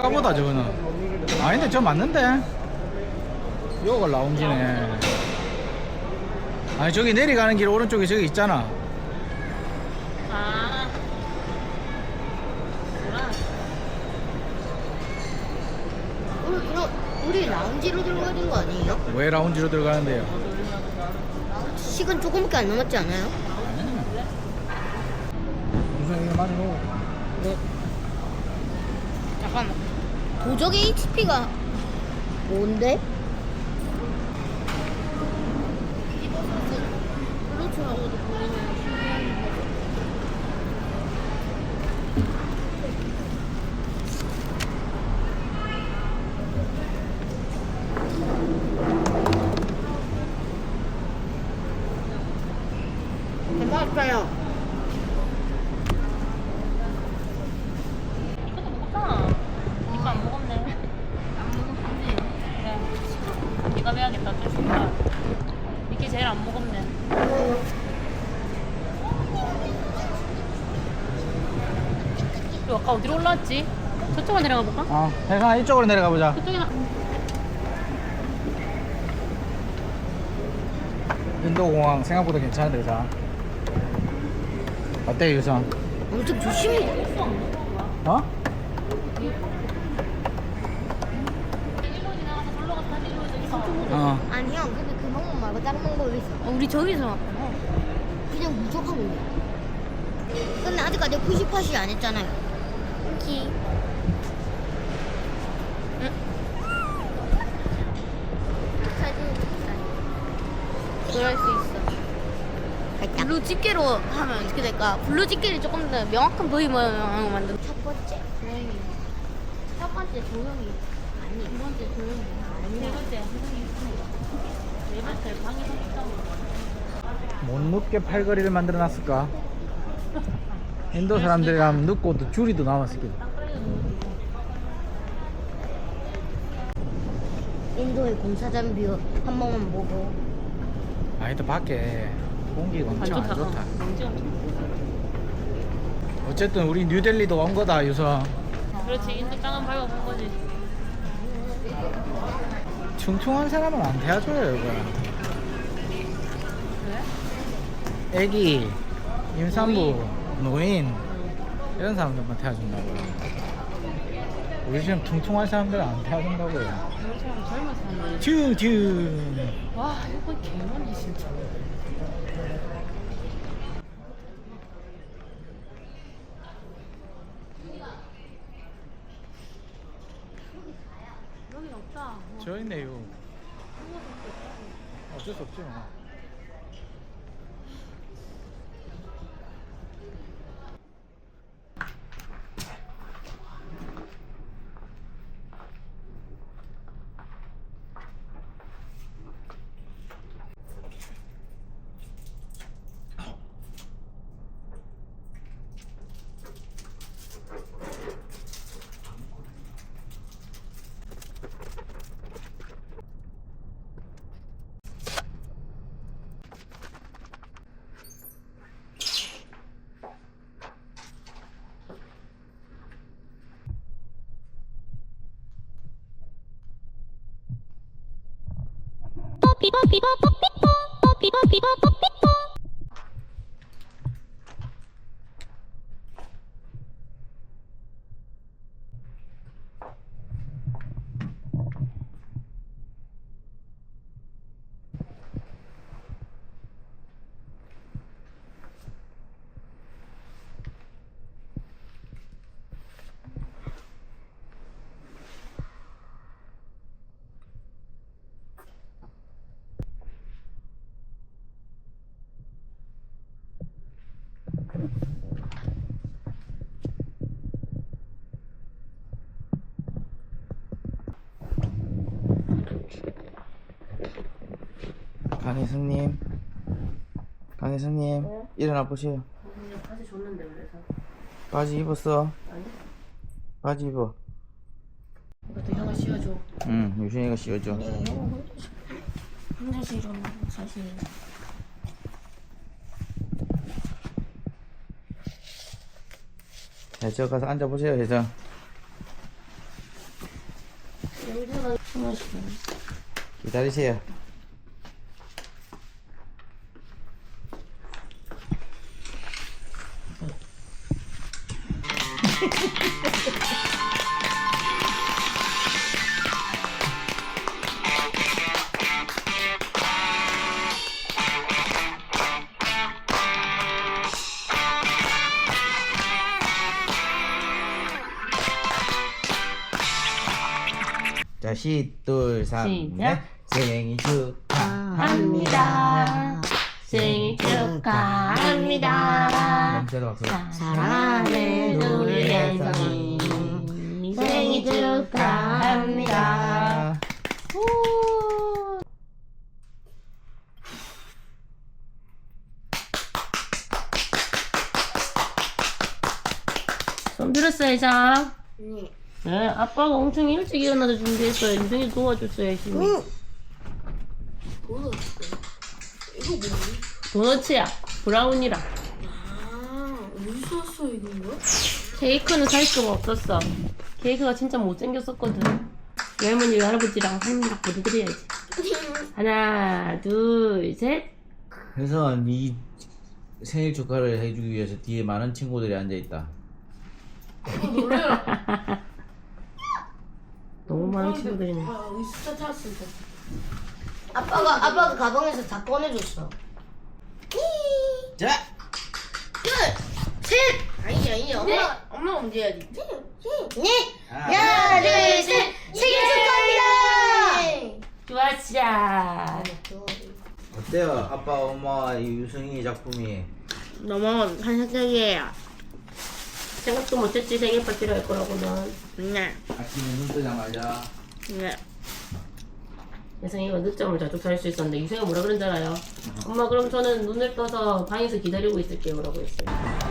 아까 보다 저거는 아닌데 저 맞는데 요걸 라운지네. 아니 저기 내려가는 길 오른쪽에 저기 있잖아. 아. 우리 라운지로 들어가는 거 아니에요? 왜 라운지로 들어가는데요? 시간 조금밖에 안 남았지 않아요? 무슨 이거 많이 먹어. 네. 잠깐만. 도적의 HP가 뭔데? 플루트라고도 불리는 맛있어요. 이것도 먹었잖아. 이거 안 먹었네. 안 먹었지. 그래. 네가 배야겠다. 어쩔 수 없다. 이게 제일 안 먹었네. 너 아까 어디로 올라왔지? 저쪽으로 내려가 볼까? 혜성아 이쪽으로 내려가 보자. 저쪽이나. 인도공항 생각보다 괜찮은데 그자. 어때 유성? 엄청 조심히. 어? 일로 지나가서 놀러 가서 다시 일로 있어. 아니 형 근데 그 방법 말고 다른 방법이 있어. 우리 저기서 왔구나. 그냥 무조건 올려. 근데 아직까지 푸시팟이 안 했잖아요. 키. 그럴 수 있어. 블루 집게로 하면 어떻게 될까? 블루 집게를 조금 더 명확한 부위 모양으로 만든. 첫 번째 조용히. 첫 번째 조용히. 아니 두 번째 조용히. 세 번째 해성이 있습니다. 네 번째 방에서 있다고. 못 눕게 팔걸이를 만들어 놨을까? 인도 사람들이라면 눕고 또 줄이 더 남았을 거야. 인도의 공사장 뷰 한 번만 보고. 아니다 밖에 공기가 엄청 안 좋다. 먼지 엄청. 어쨌든 우리 뉴델리도 온 거다 유성. 그렇지. 인도 땅은 밟아본 거지. 퉁퉁한 사람은 안 태워줘요 이거. 왜? 애기, 임산부, 노인 이런 사람들만 태워준다고요. 우리 지금 퉁퉁한 사람들은 안 태워준다고요. 이런 사람 젊은 사람들. 퉁퉁. 와 이건 개먼지 진짜. 여긴 없다. 저 있네요. 어쩔 수 없지 뭐. 강혜승님, 강혜승님, 네? 일어나 보세요. 바지 줬는데 그래서. 바지 입었어? 아니? 바지 입어. 이것도 형아 씌워줘. 응, 유신이가 씌워줘. 혼자 싫어하는 사실. 자, 저 가서 앉아보세요, 혜정. 기다리세요. 자, 시, 둘, 삼, 시작. 넷. 생일 합니다. 생일 축하합니다. 냄새도 박수. 사랑하는 우리 혜성이 생일 축하합니다. 우. 손 들었어, 혜성? 네, 아빠가 엄청 일찍 일어나서 준비했어요. 유정이 도와줬어요, 열심히. 도너츠야, 브라운이랑. 어디서 왔어 이거? 케이크는 살 수가 없었어. 케이크가 진짜 못생겼었거든. 외할머니, 외할아버지랑 할머니랑 보내드려야지. 하나, 둘, 셋. 그래서 네 생일 축하를 해주기 위해서 뒤에 많은 친구들이 앉아있다. 너무 많은 친구들이네. 진짜 찾았습니다. 아빠가 가방에서 다 꺼내줬어. 자! 둘, 셋. 아니 엄마가 먼저 해야지. 네. 하나, 둘, 셋. 생일 축하합니다. 좋았자. 어때요? 아빠, 엄마, 이 유승이 작품이. 너무 환상적이에요. 생각도 못했지, 생일 파티를 할 거라고는. 네. 아침에 눈 뜨자마자. 네. 예성이가 늦잠을 자주 잘 수 있었는데 유성이가 뭐라 그런 줄 알아요? 엄마 그럼 저는 눈을 떠서 방에서 기다리고 있을게요 라고 했어요.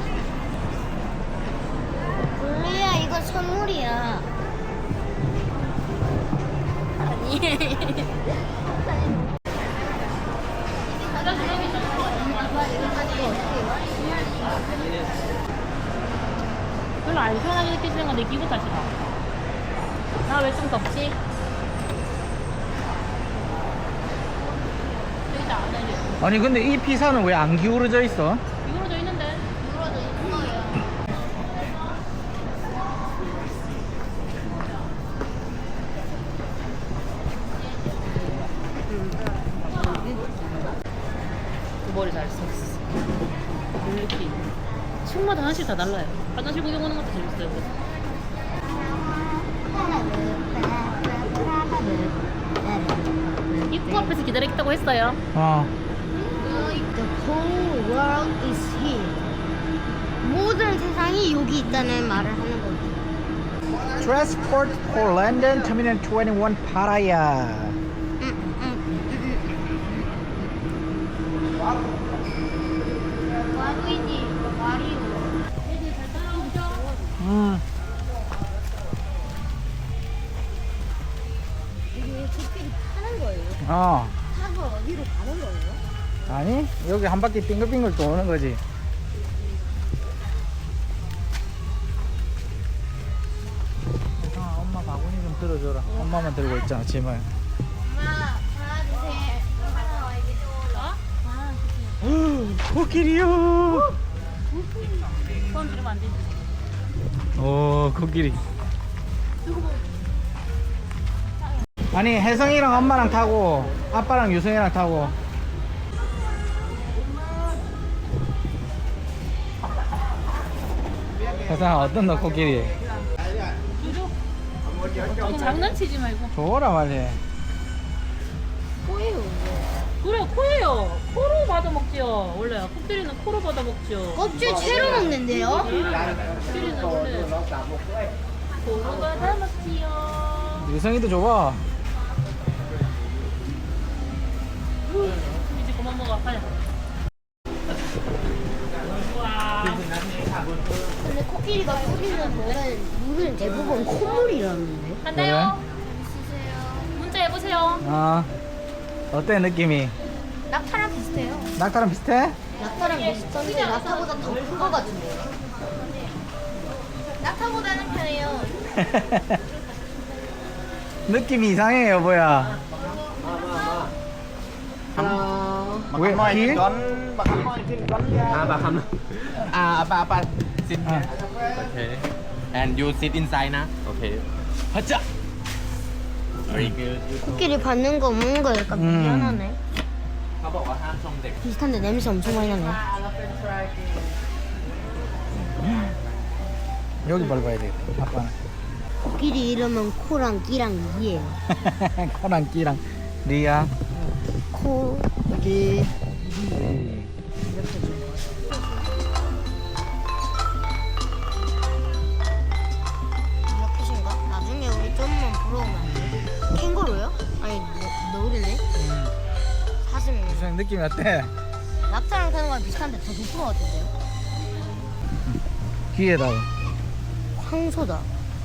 블루야 이거 선물이야. 아니. 별로 안 시원하게 느껴지는 건데 기분 탓이다. 나 왜 좀 덥지? 여기다 안 알려. 아니, 근데 이 피사는 왜 안 기울어져 있어? 기울어져 있는데? 물어도 있는 거예요. 그 머리 잘 썼어. 이렇게 층마다 하나씩 다 달라요. 화장실 구경 오는 것도 재밌어요. 그래서. 입구 앞에서 기다리겠다고 했어요. The whole world is here. 모든 세상이 여기 있다는 말을 하는 거지. Transport for London Terminal 21 Pattaya. 와루이지, 와리오. 애들 잘 따라오죠? 이게 코끼리 타는 거예요? 어. 타서 어디로 가는 거예요? 아니, 여기 한 바퀴 빙글빙글 도는 거지. 아, 엄마 바구니 좀 들어줘라. 엄마만 들고 있잖아, 짐을. 엄마, 하나, 둘, 셋. 하나, 이게 또. 코끼리요. 소원 지르면 안 되지. 오, 코끼리. 아니, 혜성이랑 엄마랑 타고 아빠랑 유성이랑 타고. 혜성아, 어떤 너 코끼리? 장난치지 말고. 줘라 말해. 코예요. 그래 코예요. 코로 받아 먹지요. 원래 코끼리는 코로 받아 먹죠. 껍질 채로 먹는데요? 코끼리는 원래 코로 받아 먹지요. 유성이도 줘봐. 이제 그만 먹어. 가자. 우와. 근데 코끼리가 뿌리는 물은 대부분 콧물이라는데. 간다요. 문자 해보세요. 아, 어때 느낌이? 낙타랑 비슷해요. 낙타랑 비슷해? 낙타랑 비슷한데 낙타보다 더 큰 거 같은데요? 낙타보다는 편해요. 느낌이 이상해 여보야. 왜 길? Apa sit here. Okay. And you sit inside na. Okay. 하자. Very good. 코끼리 받는 거 먹는 거 약간 미안하네. เขาบอกว่าห้ามชมเด็ก 비슷한데 냄새 엄청 많이 나네. 여기 밟아야 돼. 아빠는. 코끼리 이름은 코랑 끼랑 이예요. 코랑 끼랑 리아. 코, 끼. 이렇게 좀. 이렇게인가? 나중에 우리 좀만 보러 오면 안 돼? 캥거루요? 아니 너울이네. 사슴이. 무슨 느낌이 어때? 낙타랑 타는 거랑 비슷한데 더 높은 거 같은데요? 귀에다가. 황소다.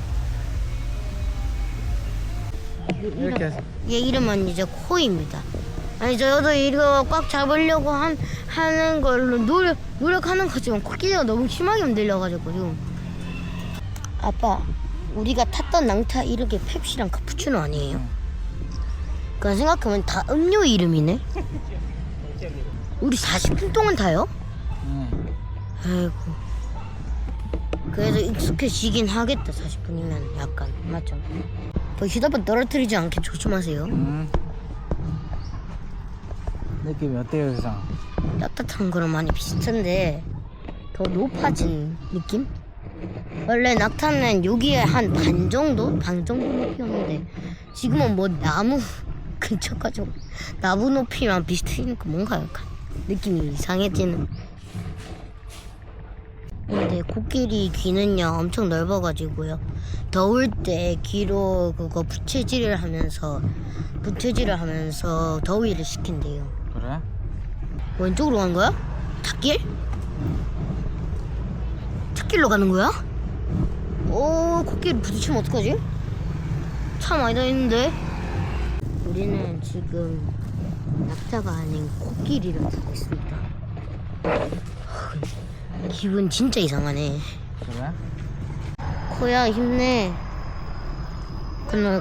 이렇게 해서. 얘 이름은 이제 코입니다. 아니 저도 이거 꽉 잡으려고 하는 걸로 노력하는 거지만 코끼리가 너무 심하게 흔들려가지고. 아빠, 우리가 탔던 낭타 이렇게 펩시랑 카푸치노 아니에요? 그냥 생각하면 다 음료 이름이네. 우리 40분 동안 타요? 아이고. 그래도 익숙해지긴 하겠다. 40분이면 약간 맞죠? 뭐 휴대폰 떨어뜨리지 않게 조심하세요. 느낌이 어때요, 세상? 따뜻한 거랑 많이 비슷한데 더 높아진 느낌? 원래 낙타는 여기에 한 반 정도 높이였는데 지금은 뭐 나무 근처까지 나무 높이랑 비슷하니까 뭔가 약간 느낌이 이상해지는. 근데 코끼리 귀는요 엄청 넓어가지고요 더울 때 귀로 그거 부채질을 하면서 더위를 식힌대요. 그래? 왼쪽으로 가는 거야? 찻길? 찻길로 가는 거야? 오, 코끼리 부딪히면 어떡하지? 차 많이 다니는데? 우리는 지금 낙타가 아닌 코끼리를 타고 있습니다. 기분 진짜 이상하네. 그래? 코야 힘내. 근데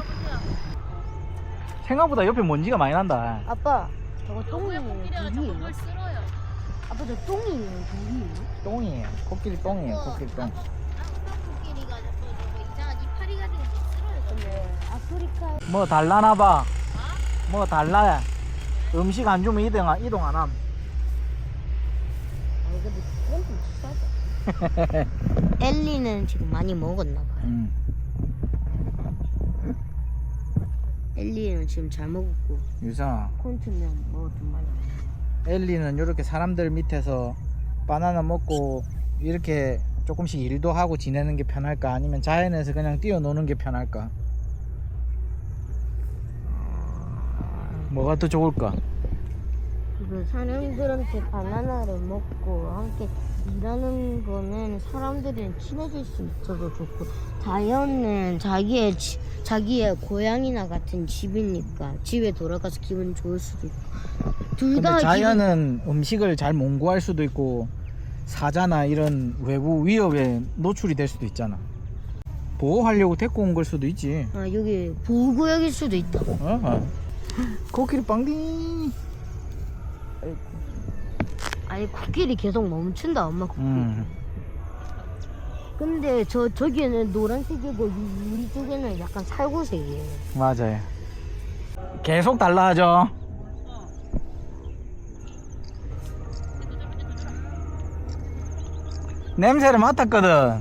생각보다 옆에 먼지가 많이 난다. 아빠 저거 똥이에요? 코끼리가 물이에요? 저걸 쓸어요. 아빠 저 똥이에요? 물이에요? 똥이에요. 코끼리 똥이에요. 코끼리 똥. 코끼리가 저거 이상한 이파리 같은 거 쓸어요. 근데 아프리카 뭐 달라나 봐. 뭐 달라. 음식 안 주면 이동 안 함. 근데 그건 좀 비싸죠. 엘리는 지금 많이 먹었나 봐요. 엘리는 지금 잘 먹었고 유성아, 콘트는 뭐 좀 많이. 엘리는 이렇게 사람들 밑에서 바나나 먹고 이렇게 조금씩 일도 하고 지내는 게 편할까? 아니면 자연에서 그냥 뛰어노는 게 편할까? 뭐가 더 좋을까? 그 사람들한테 바나나를 먹고 함께 일하는 거는 사람들이랑 친해질 수 있어서 좋고 자연은 자기의 고향이나 같은 집이니까 집에 돌아가서 기분 좋을 수도 있고 둘 근데 다 자연은 음식을 잘 못 구할 수도 있고 사자나 이런 외부 위협에 노출이 될 수도 있잖아. 보호하려고 데리고 온 걸 수도 있지. 아 여기 보호구역일 수도 있다. 코끼리 빵디. 아니 코끼리 계속 멈춘다 엄마 코끼리. 근데 저기는 노란색이고 우리 쪽에는 약간 살구색이에요. 맞아요. 계속 달라하죠. 냄새를 맡았거든.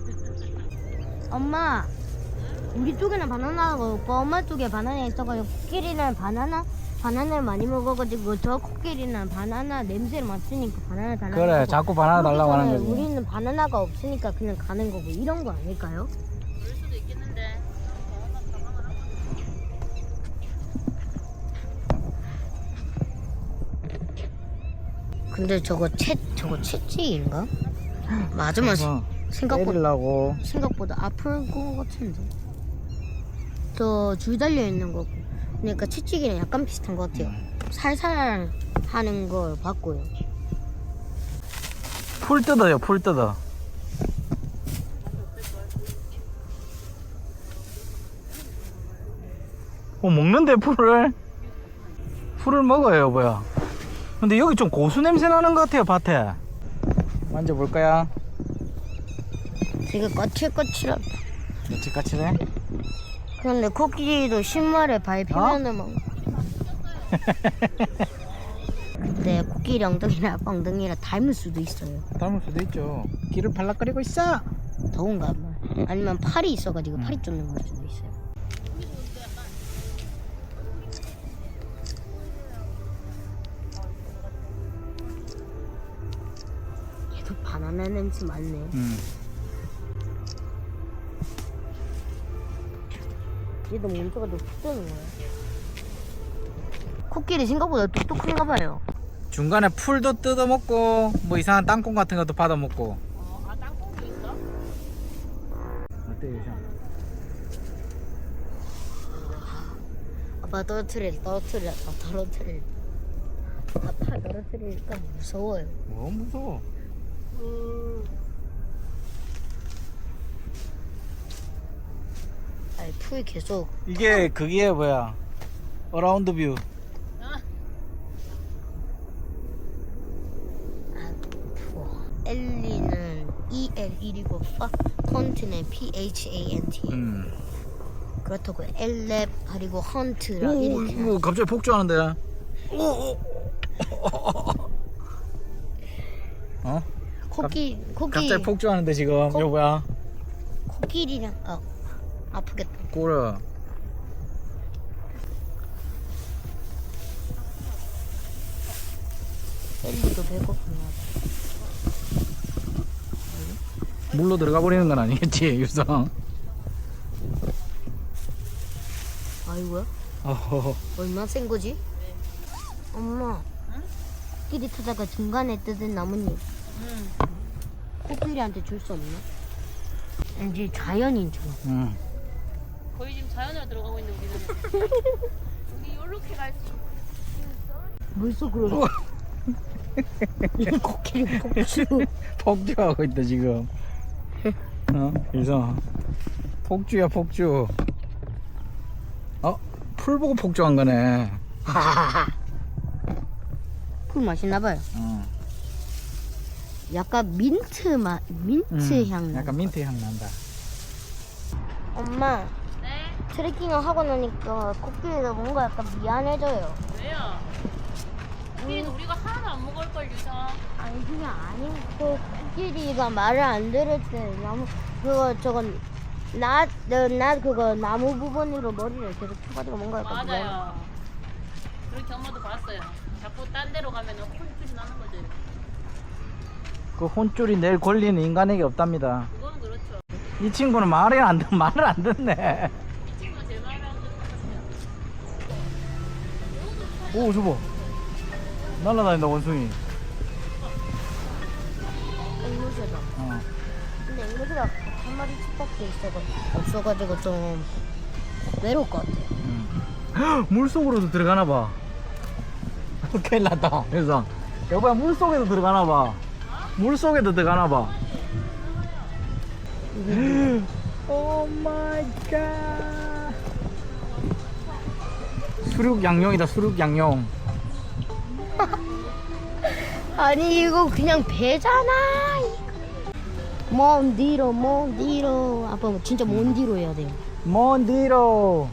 엄마 우리 쪽에는 바나나가 없고 엄마 쪽에 바나나 있어가지고 코끼리는 바나나를 많이 먹어가지고 저 코끼리는 바나나 냄새를 맡으니까 바나나 달라고 그래, 하고 자꾸 바나나 달라고 하는 거지. 우리는 바나나가 없으니까 그냥 가는 거고 이런 거 아닐까요? 그럴 수도 있겠는데. 근데 저거 채찍인가? 맞으면 때리려고. 생각보다 아플 거 같은데. 저 줄 달려 있는 거고. 그러니까 채찍이랑 약간 비슷한 것 같아요. 살살 하는 걸 봤고요. 풀 뜯어요, 풀 뜯어. 먹는데 풀을? 풀을 먹어요 여보야. 근데 여기 좀 고수 냄새 나는 것 같아요 밭에. 만져볼까요? 되게 거칠거칠하다. 며칠까치네? 그런데 코끼리도 신발에 밟히면은 막. 근데 코끼리 엉덩이랑 아빠 엉덩이랑 닮을 수도 있어요. 닮을 수도 있죠. 길을 발락거리고 있어. 더운가 봐. 아니면 팔이 있어가지고 팔이 쫓는 걸 수도 있어요. 얘도 바나나 냄새 많네. 얘도 몸소가 뚝 뜨는 거야. 코끼리 생각보다 똑똑한가 봐요. 중간에 풀도 뜯어먹고 뭐 이상한 땅콩 같은 것도 받아먹고. 아, 땅콩이 있어? 어때요 형? 아빠 떨어뜨릴까? 아빠 떨어뜨리니까 무서워요. 뭐 무서워. 아니 풀 계속. 이게 그게 뭐야? 어라운드 뷰. 엘리는 EL1이고 펀트는 PHANT. 그렇다고 엘랩 그리고 헌트라 이렇게. 오, 갑자기 폭주하는데. 어? 갑자기 폭주하는데 지금 여보야. 코끼리랑 아프겠다. 꼬라. 엘리도 배고프나. 물로 들어가 버리는 건 아니겠지 유성. 아이고야. 어허. 얼마나 센 거지? 엄마. 코끼리 타다가 중간에 뜯은 나뭇잎. 코끼리한테 줄 수 없나? 이제 자연인처럼. 거의 지금 자연으로 들어가고 있는 우리는. 우리 요렇게 갈수 물속으로. 이 코끼리 폭주. 폭주하고 있다 지금. 유성. 폭주야 폭주. 풀 보고 폭주한 거네. 풀 맛있나봐요. 약간 민트 향 나. 약간 민트 향 난다. 엄마, 네? 트레킹을 하고 나니까 코끼리가 뭔가 약간 미안해져요. 왜요? 우리는 우리가 하나도 안 먹을 걸 유성. 아니 그게 아니고 코끼리가 말을 안 들을 때 그거 나무 부분으로 머리를 계속 쳐가지고 뭔가 약간 미안해. 맞아요. 그렇게 엄마도 봤어요. 자꾸 딴 데로 가면 콘줄이 나는 거지. 그 혼줄이 낼 권리는 인간에게 없답니다. 그건 그렇죠. 이 친구는 말을 안 듣네. 이 친구가 제 말을 안 듣는 것 같아요. 오 저거 날라다닌다 원숭이. 앵무새다. 근데 앵무새가 한 마리 집밖에 없어가지고 좀 외로울 것 같아요. 물속으로도 들어가나 봐. 큰일 났다. 그래서 여보야 물속에도 들어가나 봐. 물속에도 들어가나 봐. 오 마이 갓. 수륙 양용이다. 수륙 양용. 아니 이거 그냥 배잖아. 먼 뒤로 아빠 진짜 먼 뒤로 해야 돼요. 먼 뒤로.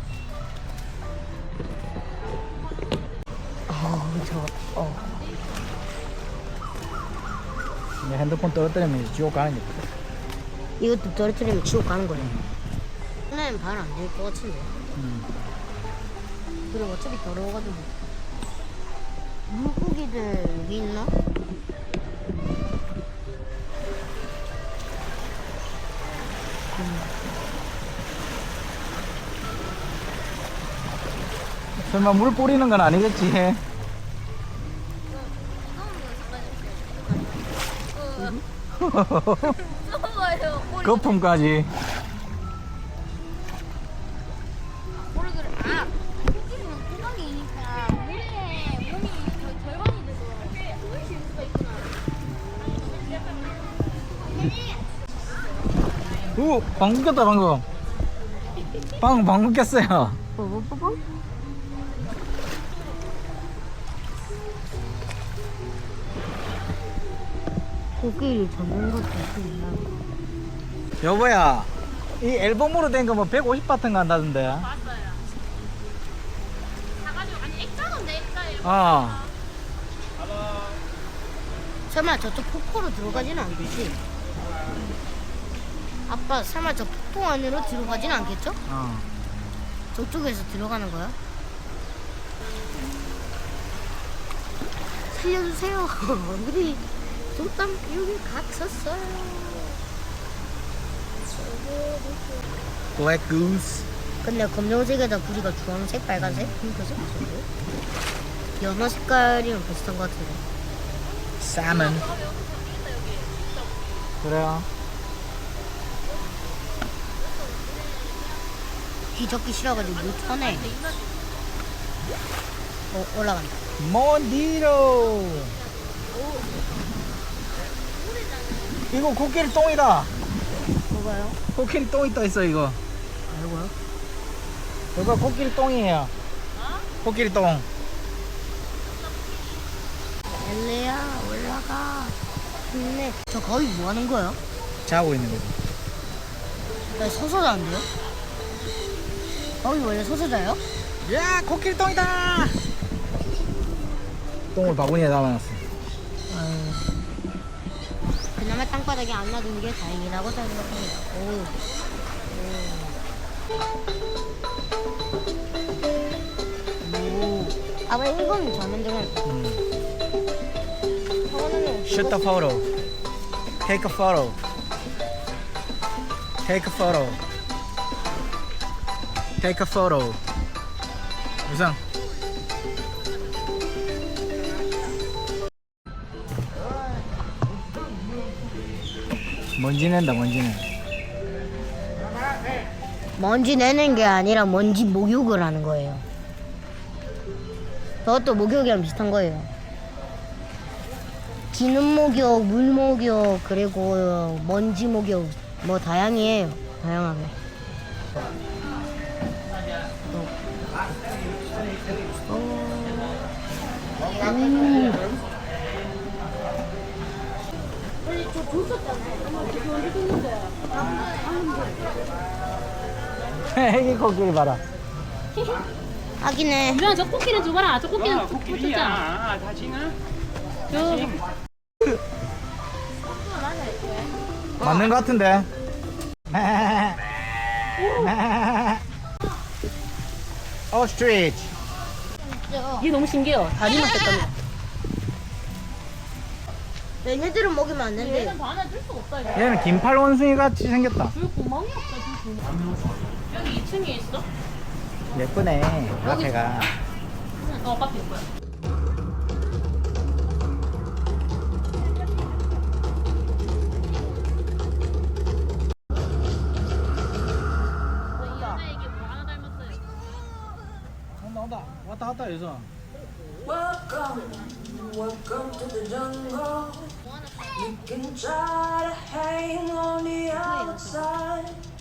내 핸드폰 떨어뜨리면 이제 지옥 가는 거야. 이것도 떨어뜨리면 지옥 가는 거예요. 하나는 발 안 될 것 같은데. 그리고 어차피 더러워가지고. 물고기들 여기 있나? 설마 물 뿌리는 건 아니겠지? 무서워요. 거품까지. 모르겠어. 코끼리는 구멍이니까 물에 몸이 절반이 돼서 숨을 쉴 수가 있구나. 오, 방금 꼈다 방금. 방금 꼈어요. 뽀뽀뽀뽀. 코끼리 잡는 것도 있나? 여보야, 이 앨범으로 된 거 뭐 150바트 간다던데. 맞아요. 사가지고 아니 액자던데 액자예요. 어. 설마 저쪽 폭포로 들어가지는 않겠지? 아빠 설마 저 폭포 안으로 들어가지는 않겠죠? 어. 저쪽에서 들어가는 거야? 살려주세요. 우리 좀땀 여기 갇혔어요. 블랙 구스. 근데 검정색에다 부리가 주황색, 빨간색, 핑크색 있었고 연어 색깔이랑 비슷한 것 같은데. salmon. 그래요. 귀 적기 싫어가지고 못 터네. 올라간다. 몬디로. 이거 코끼리 똥이다. 뭐가요? 코끼리 똥 있다 있어 이거. 알고요? 이거 코끼리 똥이에요. 코끼리 똥. 엘레야 올라가. 힘내. 저 거기 뭐 하는 거예요? 자고 있는 거지. 나 서서 자는데요? 거기 원래 서서 자요? 야, 코끼리 똥이다. 똥을 바구니에 담아놨어. 그나마 땅바닥에 안 놔둔 게 다행이라고 생각합니다. 오. 아빠 이건 저만 좀 할까? Shoot the photo. Take a photo. Take a photo. Take a photo. 유상. 먼지 낸다, 먼지 내. 먼지 내는 게 아니라 먼지 목욕을 하는 거예요. 그것도 목욕이랑 비슷한 거예요. 기름 목욕, 물 목욕, 그리고 먼지 목욕 뭐 다양해요. 다양하게. 애기 코끼리 봐라. 하긴해. 유랑 저 코끼리 줘봐라. 저 코끼리는 줬잖아. 저 맞는 것 같은데. 오스트리치. 이게 너무 신기해요. 다리만 뺐답니다. 얘네들은 먹이면 안 된대. 얘는 반에 줄 수가 없다 이거. 얘는 긴팔 원숭이 같이 생겼다. 줄 구멍이 없어. 줄 구멍. 여기 2층에 있어? 예쁘네. 앞에가. 밖에 있고요. 이 여자에게 뭐 하나 닮았어요? 나온다. 왔다 갔다 해서. Welcome to the jungle. You can try to hang on the outside,